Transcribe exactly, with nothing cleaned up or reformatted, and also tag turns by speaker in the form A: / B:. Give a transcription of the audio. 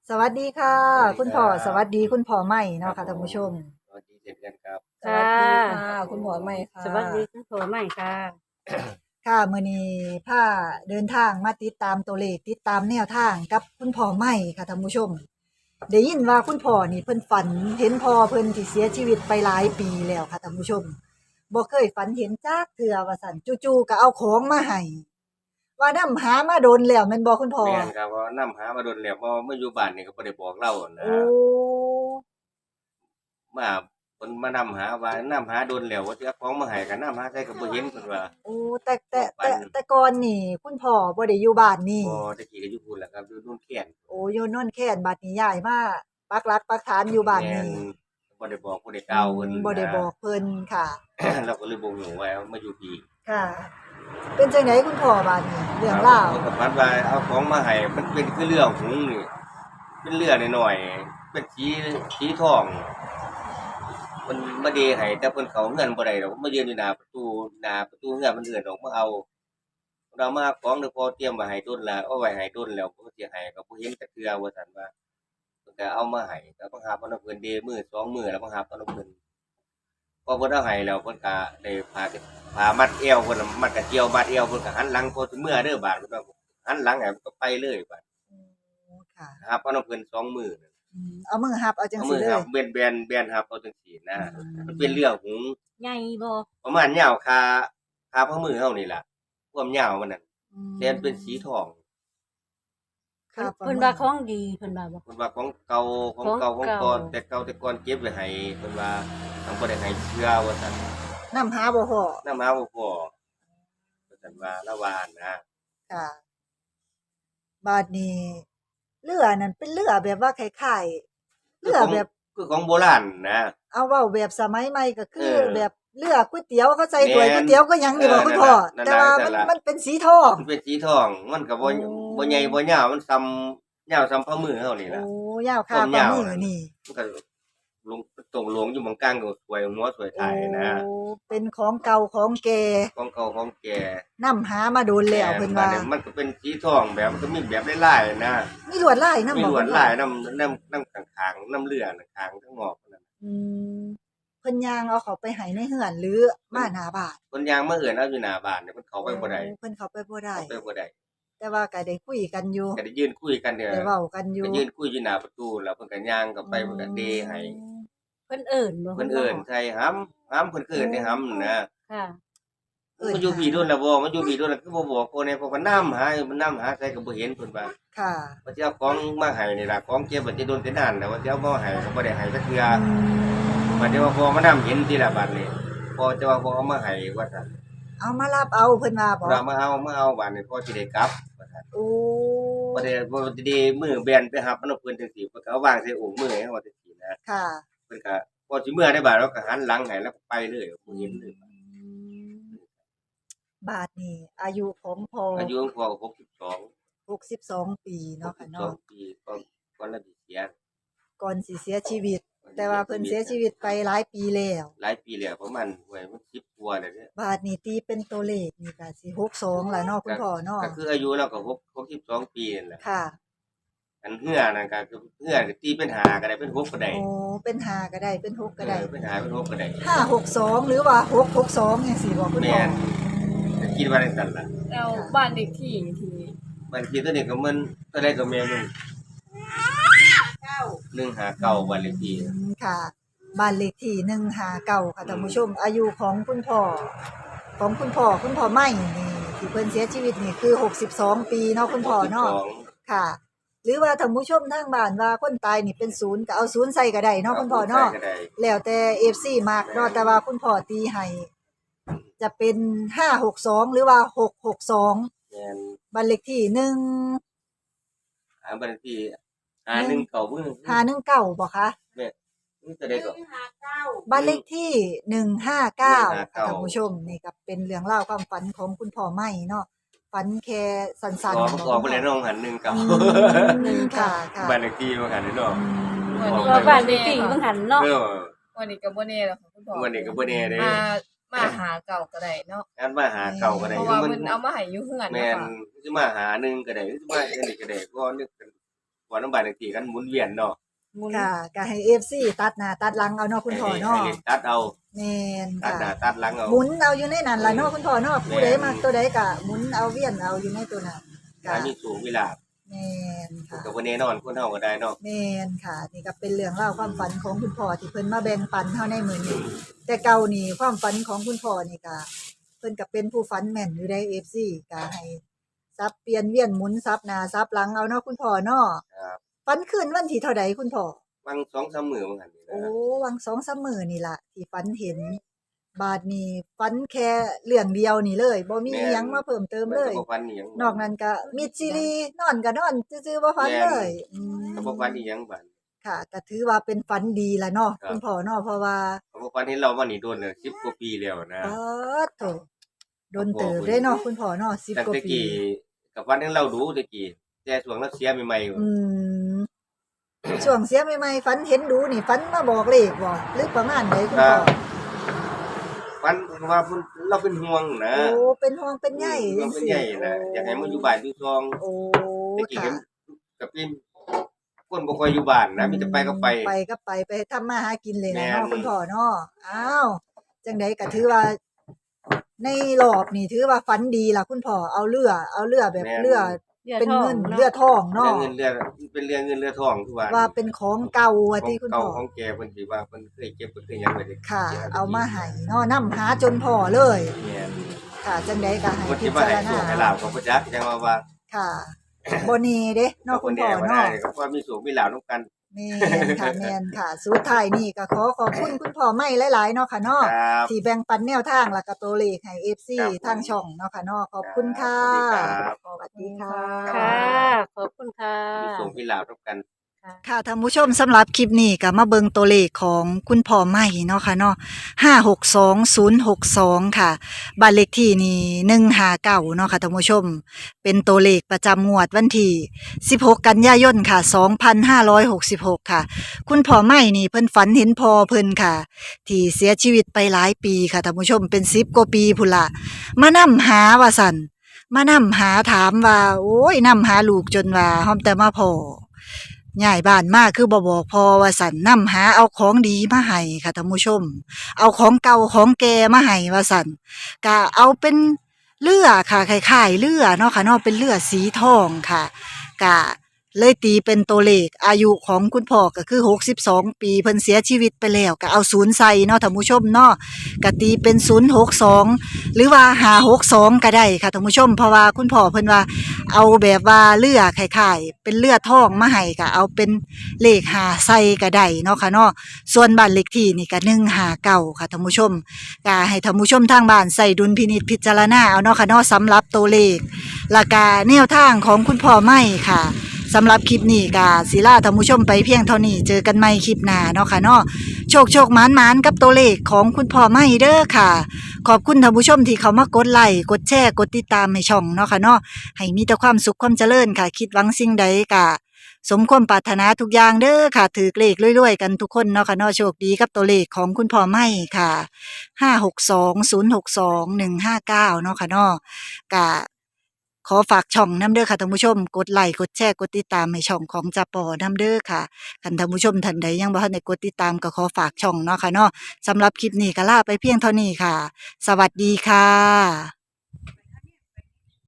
A: สวัสดีค่ะ
B: สวัสดี
A: คุณพ่อ
B: ครับ
A: สวัสดีคุณพ่อใหม่
B: ครั
A: เนาะค่ะ
B: บผม
A: ท่านผู้ชม
B: สวัสดีเช่นกันครับ
C: ค่
D: สวัสดี
C: ะ
D: ค่ะคุณหมอใหม่ค่ะ
C: สวัสดีคุณผัวใหม่ค่ะ
A: ค่ะมื้อนี้พาเดินทางมาติดตามตัวเลขติดตามแนวทางกับคุณพ่อใหม่ค่ะท่านผู้ชมได้ยินว่าคุณพ่อนี่เพิ่นฝันเห็นพ่อเพิ่นที่เสียชีวิตไปหลายปีแล้วค่ะท่านผู้ชมบ่เคยฝันเห็นจักเทื่อว่าซั่นจู่ๆก็เอาของมาให้ว่านำหามาโดนแล้วแม่นบ่คุณพ่อ
B: แม่นครับว่านำหามาโดนแล้วเพราะมาอยู่บ้านนี่ก็บ่ได้บอกเรา
A: โอ้
B: นะมาเพิ่นมานำหาว่านำหาโดนแล้วว่าสิเอาของมาให้ก็นำหาใส่ก็บ่เห็นเพิ่นว่า
A: โอ้แต่แต่
B: ความฝัน
A: แต่แต่ก่อนนี่คุณพ่อบ่ได้อยู่บ้านนี่
B: บ่แตะกี้ก็อยู่พู้นแหละครับอยู่โน่นแค้น
A: โอ้อยู่โน่นแค่นบัดนี้ย้ายมาปักหลักปักฐานอยู่บ้าน
B: แม่น
A: นี้
B: บ่ได้บอกบ่ได้ก
A: อื
B: ล่าวเพิ่น
A: มบ่ได้
B: นะ
A: บอกเพิ่นค่ะ
B: เราก็เลยบ่รู้ว่ามาอยู่พี่
A: ค่ะ เป็นจังไดคุณพ่อบัดนี้เรื่องราว
B: เพิ่นก็ฝันว่าเอาของมาให้มันเป็นคือเรือหงส์นี่เป็นเรือน้อยๆเป็นสีสีทอง มันมาเดให้แต่เพิ่นเข้าเรือนบ่ได้ดอกมายืนอยู่หน้าประตูหน้าประตูเรือนมันเอิ้นออกมาเอาเรามาของเดี๋ยวพอเตรียมไว้ให้โดนแล้วเอาไว้ให้โดนแล้วก็สิให้ก็บ่เห็นจักเทื่อว่าซั่นว่าเพิ่นก็เอามาให้ก็บังคับเอานำเพิ่นเดมื้อสองมื้อแล้วบังคับเอานำเพิ่นพอเพิ่นเอาให้แล้วเพิ่นก็ได้ผ้าผ้ามัดเอวเพิ่นน่ะมัดกระเจียวมัดเอวเพิ่นก็หันหลังพอสิเมื่อเด้อบาดเพิ่นว่าหันหลังให้มันก็ไปเลยบาด
A: โอ้ค่ะ
B: ครับเอานำเพิ่นสองมื้อ
A: อืมเอามือหับเอาจัง
B: เอามือ
A: ซี่เลย
B: ครับแบนๆแบนครับเอาจังซี่นะ
A: อื
B: มันเป็นเรื่องของ
C: ใหญ่บ่
B: ประมาณยาวคาคาฝ่ามือเฮานี่ล่ะความยาวมันน่ะ
A: อืม
B: แต่มันเป็นสีทอง
A: ค่ะประ
C: เพิ่น
A: มา
C: ว่า
A: ณ
C: ของดีเพิ่นว่าบ่
B: เพิ่นว่าของเก่าของเก่าข
C: ของเก่า
B: องก่อนแต่เก่าแต่ก่อนเก็บไว้ให้เพิ่นว่าทางบ่ได้ให้เชื่อว่าซั่น
A: นำหาบ่พ้อ
B: นำหาบ่พอว่าซั่นว่าละว่านะ
A: ค่ะบัดนี้เรือนั่นเป็นเรือแบบว่าคล้ายๆ
B: คือของ
A: เรือแบบ
B: คือของโบราณนะ
A: เอาเว้าแบบสมัยใหม่ก็คือ
B: เออ
A: แบบเรือก๋วยเตี๋ยวเขาใส่ถ้วยก๋วย
B: แม่น
A: เตี๋ยวก็หยังนี่บ่
B: เออ
A: คุณพ่อ
B: นั่น
A: แต่
B: ล่ะ
A: ว่า
B: นั่นล่ะ
A: มันมันเป็นสีทอง
B: มันเป็นสีทอง มันก็บ่
A: โอ้
B: บ่ใหญ่บ่ยาวมันส่ำยาวส่ำฝ่ามือเฮานี่
A: โอ้
B: ล่ะ
A: ยาว
B: ควา
A: คาฝ่าย
B: มาว
A: มือ
B: นั่น
A: นี่
B: มันก็ลงตรงหลวงอยู่หม้องกลางก็สวยหัวสวย
A: โอ้
B: ท้ายนะ
A: เป็นของเก่าของแก่
B: ของเก่าของแก่
A: นำหามาโดนแล้วเพิ่นว่า
B: บัดนี้มันก็เป็นสีทองแบบมันก็มีแบบหลายๆนะ
A: มีลวดลายนำ
B: มี
A: บ่
B: ลวด
A: คุณพ่อ
B: ลายนำนำนำข้างๆนำเรือน่ะข้างทั้งงอกนั่น
A: อืมเพิ่นย่างเอาเขาไปให้ในเฮือนหรือมาหน้าบ้าน
B: เพิ่นย่างมาเอิ้นเอาอยู่หน้าบ้านเนี่ยเพิ่นเข้าไปบ่ได้
A: โอ้เพิ่นเข้าไปบ่ได้
B: เข้าไปบ่ได้
A: แต่ว่าก็ได้คุยกันอยู่
B: ก็ได้ยืนคุยกันเนี่ย
A: ได้เว้ากันอยู่
B: ก็ยืนคุยอยู่หน้าประตูแล้วเพิ่นก็ย่างเข้าไปเพิ่นก็เดให้
C: เพิ่นเอิ้นบ่
B: เพิ่นเอิ้นใส่หำหำเพิ่นคือเอิ้นให้หำนะ
C: ค่ะ
A: เอิ้น
B: มันอยู่พี่โดนแล้วบ่มันอยู่พี่โดนแล้วคือบ่บอกคนเนี่ยเพราะว่าน้ำหามันน้ำหาใส่ก็บ่เห็นเพิ่นว่า
A: ค่ะ
B: ว่าสิเอาของมาให้นี่ล่ะของเก็บมันจะโดนแต่นานแต่ว่าสิเอามาให้ก็บ่ได้ให้จักเทื่อ
A: อืม
B: บัดนี้ว่าพอมานํเห็นทีละบัดนี้พอจะว่าพอเอามาให้ว่าซั่น
A: เอามารับเอาเพิ่นว่าบ่
B: เรามาเอามาเอาบัดนี้พอสิได้กลับว่าซั่น
A: โอ้
B: บ่ได้บ่ได้มือแบนไปหับมันเอาเพิ่นจังซี่เพิ่นก็เอาวางใส่โอ่งมือให้เฮาจังซี่นะ
A: ค่ะ
B: เพิ่นก็พอสิเมื่อได้บาดเราก็หันหลังให้แล้วก็ไปเลยบ่เห็นเลย
A: บาทนี่อายุของพ่อ
B: อายุของพ่อก็หกสิบสอง
A: หกสิบสองปีเนาะค่ะเนาะ
B: ปีก่อนก่อนเราสิเสีย
A: ก่อนสิเสียชีวิต แต่ว่าเพิ่นเสียชีวิตไปหลายปีแล้ว
B: หลายปีแล้วประมาณโอ้ยมันสิบกว่าแล้วเด้
A: บาทนี่ตีเป็นตัวเลขนี่ก็สิหกสิบสองล่ะเนาะคุณพ่อเนาะ
B: ก็คืออายุเราก็หก หกสิบสองปีนั่นแหละ
A: ค่ะ
B: อันเฮือนั่นก็คือเฮือก็ตีเป็นห้าก็ได้เป็นหกก็ได้
A: โอ้เป็นห้าก็ได้เป็นหกก็ได้
B: เออเป็นห้าเป็นหกก็ได้
A: ห้าหกสองหรือว่าหกหกสองจังซี่บ่คุณพ่อ
B: แม่น ก็คิดว่าจังซั่นล่ะ
D: แล้วบ้านเด็กที่ที่
B: บัดนี้ตัวนี้ก็มันเท่าใดก็แม่นอยู่หนึ่งห้าเก้าบ้านเลขที่
A: อืมค่ะบ้านเลขที่หนึ่งห้าเก้าค่ะท่านผู้ชม อายุของคุณพ่อของคุณพ่อคุณพ่อใหม่นี่ที่เพิ่นเสียชีวิตนี่คือหกสิบสองปีเนาะคุณพ่อเนาะ
B: หกสิบสอง
A: ค่ะ หรือว่าท่านผู้ชมทางบ้านว่าคนตายนี่เป็นศูนย์ก็เอาศูนย์ใส่ก็ได้เนาะคุณพ่อเนาะ
B: ใส่ก็ได้
A: แล้วแต่ เอฟ ซี มักเนาะแต่ว่าคุณพ่อตีให้จะเป็นห้าหกสองหรือว่าหกหกสอง
B: แม่น
A: บ้านเลขที่หนึ่ง
B: อ่าบ้านเลขที่ห้าหนึ่งเก้าบ่
A: ห้าหนึ่งเก้าบ่คะ
B: แม่นี่เท่าใดก็
A: บ้านเลขที่หนึ่งห้าเก้าค่ะ
B: หนึ่งห้าเก้า
A: ท่านผู้ชมนี่ก็เป็นเรื่องเล่าวความฝันของคุณพ่อใหม่เนาะฝันแค่สั้นๆ
B: ออก
A: บ่
B: ออกไป
A: คุณ
B: เลย
A: พ่อ
B: น้องหันหนึ่งเก้า
A: อืมค่ะค่ะ
B: บ้านเลขที่ว่าหันนี่เนาะ
A: อืม
C: ว่าบ้านเด็กที่เพิ่นหันเนาะ
B: เออ
D: วันนี้ก็บ่แน่แล้วค่ะคุณพ่อ
B: วันนี้ก็บ่แน่เด้
D: มามาหาเก่าก็ได้เนาะ
B: งั้นมาหาเก่าก็ได้
D: เพราะว่าเพิ่นเอามาให้อยู่เฮือน
B: แม่
D: เนาะ
B: น
D: ค่ะ
B: สิมาหาหนึ่งก็ได้สิมาอันนี้ก็ได้ก็นึกกันว่าน้ำบานเลขที่กันหมุนเวียนเนาะ
A: ค่ะก็ให้ เอฟ ซี ตัดหน้าตัดหลังเอาเนาะคุณพ่อเนาะ
B: ให้เลขตัดเอา
A: แม่น
B: ตัด
A: ค่ะ
B: หน้าตัดหลังเอา
A: หมุนเอาอยู่ในนั้นล่ะเนาะคุณพ่อเนาะ
B: แม่น
A: ผู้ใดมักตัวใดก็หมุนเอาเวียนเอาอยู่ในตัวนั้น
B: ถ้า
A: ค่ะ
B: มีสูงเวลา
A: แม่นค่ะ
B: ก็บ่แน่นอนคนเฮาก็ได้เนาะ
A: แม่นค่ะนี่ก็เป็นเรื่องเล่าวความฝันของคุณพ่อที่เพิ่นมาแบ่งปันเฮาในมื้อนี้แต่เก่านี่ความฝันของคุณพ่อนี่ก็เพิ่นก็เป็นผู้ฝันแม่นอยู่ได้ เอฟ ซี ก็ให้ซับเปลี่ยนเวียนหมุนซับหน้าซับหลังเอาเนาะคุณพ่อเนาะ
B: ครับ
A: ฝันคืนวันที่เท่าใดคุณพ่อ
B: บางสองสามมื้อมันหั่นนี่
A: โอ้
B: นะ
A: วัง สองสาม มื้อนี่ล่ะที่ฝันเห็น บาดนี้ฝันแค่เรื่องเดียวนี่เลยบ่มีอิหยังมาเพิ่มเติมเลย
B: มันก็บ่ฟันอีหยัง
A: นอกนั้นก็มิดซีรีส์นอนก็นอนซื่อๆบ่ฝันเลยอืม
B: ก็บ่ฟันอีหยังบัด
A: ค่ะก็ถือว่าเป็นฝันดีล่ะเนาะ
B: ครับ
A: คุณพ่อเนาะเพราะว่า
B: ก็บ่ฟันเห็นเรามานี่โดนเลยสิบกว่าปีแล้วนะ
A: ป๊าดโถโดนเติบได้เนาะคุณพ่อเนาะสิบ
B: ตั้ง
A: กว่า
B: แต่
A: ปี
B: กี้กับฟันเห็นเราดูแต่กี้แต่ช่วงเราเสียใหม่ๆอยู่
A: อืมช่วงเสียใหม่ๆฝันเห็นดูนี่ฝันมาบอกเลขบ่หรือประมาณใดคุณพ่อ
B: ฟันว่าเพิ่นเราเป็นห่วงนะ
A: โอ้เป็นห่วงเป็นใย
B: เราเป็นใหญ่นะอยากให้มาอยู่บ้านอยู่ซอง
A: โอ้
B: แต่กี้
A: ค่ะ
B: เห็นกับพี่คนบ่ค่อยอยู่บ้านนะมีแต่ไปก็ไป
A: ไปก็ไปไปทำมาหากินเลย
B: แม่
A: นะ
B: น
A: เนาะคุณพ่อเนาะอ้าวจังไดก็ถือว่า ในรอบนี่ถือว่าฝันดีล่ะคุณพ่อเอาเรือเอาเรือแบบ
B: แม่น
A: เรือ
C: เรือ
A: เป็น
C: ทอง
A: เงิน
C: เนาะ
A: เรือทอง
B: เรื่อ
A: เนาะ
B: งเงินเรือเป็นเรื่องเงินเรือทองทุกวัน
A: ว่าเป็นของเก่า
B: ข
A: ว่า
B: อง
A: ที่คุณ
B: เก่า
A: พ่อ
B: ของแกเพิ่นสิว่าเพิ่นเคยเก็บเพิ่นเคยหยังไว้ได้
A: ค่ะ เอามาให้เนาะนํหาจนพ่อเลย
B: แม่น
A: ค่ะจังไดก็ให้
B: เพิ่น
A: พิ
B: สิมา
A: จาร
B: ให้โช
A: ณา
B: คให้ลาบก็บ่จักจังว่าว่า
A: ค่ะบ่แน่เด้เนาะคุณพ่อ
B: บ่ได้
A: เนาะ
B: ก็ว่ามีโชคมีลาบนํกัน
A: แม่นค่ะแม่นค่ะ สุดท้ายนี่ก็ขอขอบคุณคุณพ่อไม่หลายๆเนาะค่ะเนาะ
B: ครับ
A: ที่แบ่งปันแนวทางแล้วก็ตัวเลขให้ เอฟ ซี
B: ครับผม
A: ทางช่องเนาะค่ะเนาะขอบคุณค่ะ
B: สวัสดีครับ
A: สวัสดีค่ะ
C: ค่ะ ขอบคุณค่ะ
B: มีโชคมีลาบนํกัน
A: ค่ะท่านผู้ชมสำหรับคลิปนี้ก็มาเบิงตัวเลขของคุณพ่อใหม่เนาะค่ะเนาะห้าหกสองศูนย์หกสองค่ะบ้านเลขที่นี่หนึ่งห้าเก้าเนาะค่ะท่านผู้ชม เป็นตัวเลขประจำงวดวันที่สิบหกกันยายนค่ะสองพันห้าร้อยหกสิบหกค่ะ คุณพ่อใหม่นี่เพิ่นฝันเห็นพ่อเพิ่นค่ะ ที่เสียชีวิตไปหลายปีค่ะท่านผู้ชมเป็นสิบกว่าปีพุ่นละมานำหาว่าสั่นมานำหาถามว่า โอ้ยนำหาลูกจนว่าหอมแต่มาพ่อ ย้ายบ้านมาคือบ่บอกพอว่าสันนำหาเอาของดีมาให้ค่ะท่านผู้ชม เอาของเก่าของแก่มาให้ว่าสันก็เอาเป็นเรือค่ะคล้ายๆเรือเนาะค่ะเนาะเป็นเรือสีทองค่ะก็เลยตีเป็นตัวเลขอายุของคุณพ่อก็คือหกสิบสองปีเพิ่นเสียชีวิตไปแล้วก็เอาศูนย์ใส่เนาะท่านผู้ชมเนาะก็ตีเป็นศูนย์หกสองหรือว่าห้าหกสองก็ได้ค่ะท่านผู้ชมเพราะว่าคุณพ่อเพิ่นว่า เอาแบบว่าเรือคล้ายๆเป็นเรือทองมาให้ก็เอาเป็นเลขหาใส่ก็ได้เนาะค่ะเนาะส่วนบ้านเลขที่นี่ก็หนึ่งห้าเก้าค่ะท่านผู้ชมก็ให้ท่านผู้ชมทางบ้านใส่ดุลพินิจพิจารณาเอาเนาะค่ะเนาะสำหรับตัวเลขและก็แนวทางของคุณพ่อไม่ค่ะสำหรับคลิปนี้ก็ศิลาท่านผู้ชมไปเพียงเท่านี้เจอกันใหม่คลิปหน้าเนาะค่ะเนาะโชคโชคหมานหมานกับตัวเลขของคุณพ่อไม่เด้อค่ะ ขอบคุณท่านผู้ชมที่เขามากดไลค์กดแชร์กดติดตามให้ช่องเนาะค่ะเนาะ ให้มีแต่ความสุขความเจริญค่ะ คิดหวังสิ่งใดก็สมความปรารถนาทุกอย่างเด้อค่ะถือเลขรวยๆกันทุกคนเนาะค่ะเนาะโชคดีกับตัวเลขของคุณพ่อไม่ค่ะห้าหกสองศูนย์หกสองหนึ่งห้าเก้าเนาะค่ะเนาะก็ขอฝากช่องน้ำเด้อค่ะท่านผู้ชมกดไลค์กดแชร์กดติดตามให้ช่องของจ่าปอน้ำเด้อค่ะคันท่านผู้ชมท่านใดยังบ่ทันได้กดติดตามก็ขอฝากช่องเนาะค่ะเนาะสำหรับคลิปนี้ก็ลาไปเพียงเท่านี้ค่ะ สวัสดีค่ะ